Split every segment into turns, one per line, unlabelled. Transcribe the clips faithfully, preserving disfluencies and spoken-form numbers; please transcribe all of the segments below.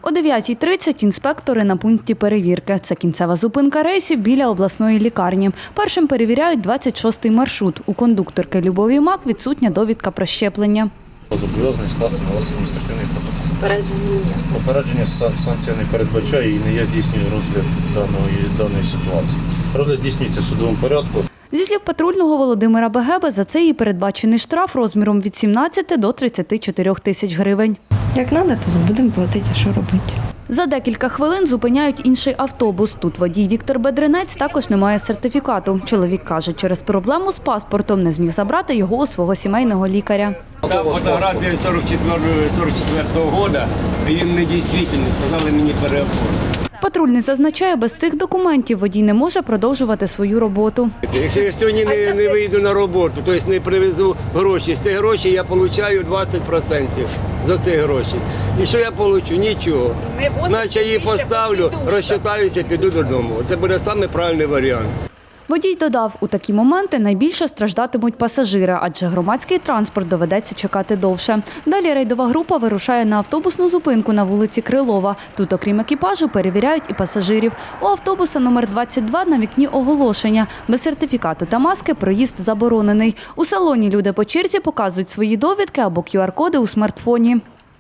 О дев'ятій тридцять інспектори на пункті перевірки. Це кінцева зупинка рейсів біля обласної лікарні. Першим перевіряють двадцять шостий маршрут. У кондукторки Любові Мак відсутня довідка про щеплення.
Зобов'язаний скласти на вас адміністративний протокол. Попередження? Попередження санкція не передбачає і не я здійснюю розгляд даної, даної ситуації. Розгляд здійснюється в судовому порядку.
Зі слів патрульного Володимира Бегеби, за це їй передбачений штраф розміром від сімнадцяти до тридцяти чотирьох тисяч гривень.
Як треба, то будемо платити, а що робити.
За декілька хвилин зупиняють інший автобус. Тут водій Віктор Бедренець також не має сертифікату. Чоловік каже, через проблему з паспортом не зміг забрати його у свого сімейного лікаря.
Там фотографія сорок четвертого року, він не дійсний, сказали мені переоформити.
Патрульний зазначає, без цих документів водій не може продовжувати свою роботу.
Якщо я сьогодні не, не вийду на роботу, тобто не привезу гроші, з цих грошей я отримую двадцять відсотків за ці гроші. І що я отримую? Нічого. Значить, я її поставлю, розчитаюся, піду додому. Це буде самий правильний варіант.
Водій додав, у такі моменти найбільше страждатимуть пасажири, адже громадський транспорт доведеться чекати довше. Далі рейдова група вирушає на автобусну зупинку на вулиці Крилова. Тут, окрім екіпажу, перевіряють і пасажирів. У автобуса номер двадцять два на вікні оголошення. Без сертифікату та маски проїзд заборонений. У салоні люди по черзі показують свої довідки або ку ар коди у смартфоні.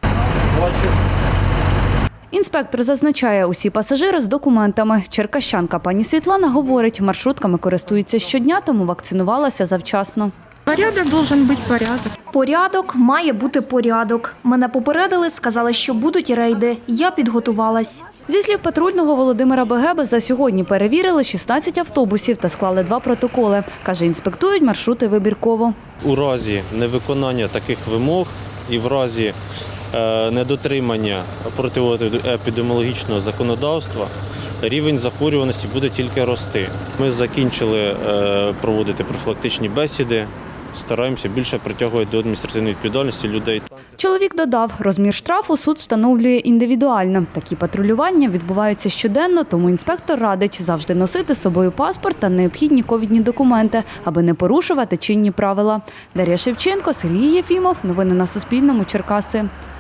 Інспектор зазначає, усі пасажири з документами. Черкащанка пані Світлана говорить, маршрутками користується щодня, тому вакцинувалася завчасно.
Порядок должен бути порядок.
Порядок має бути порядок. Мене попередили, сказали, що будуть рейди. Я підготувалась.
Зі слів патрульного Володимира Бегеби, за сьогодні перевірили шістнадцять автобусів та склали два протоколи. Каже, інспектують маршрути вибірково.
У разі невиконання таких вимог і в разі недотримання протиепідеміологічного законодавства рівень захворюваності буде тільки рости. Ми закінчили проводити профілактичні бесіди, стараємося більше притягувати до адміністративної відповідальності людей.
Чоловік додав, розмір штрафу суд встановлює індивідуально. Такі патрулювання відбуваються щоденно, тому інспектор радить завжди носити з собою паспорт та необхідні ковідні документи, аби не порушувати чинні правила. Дар'я Шевченко, Сергій Єфімов. Новини на Суспільному. Черкаси.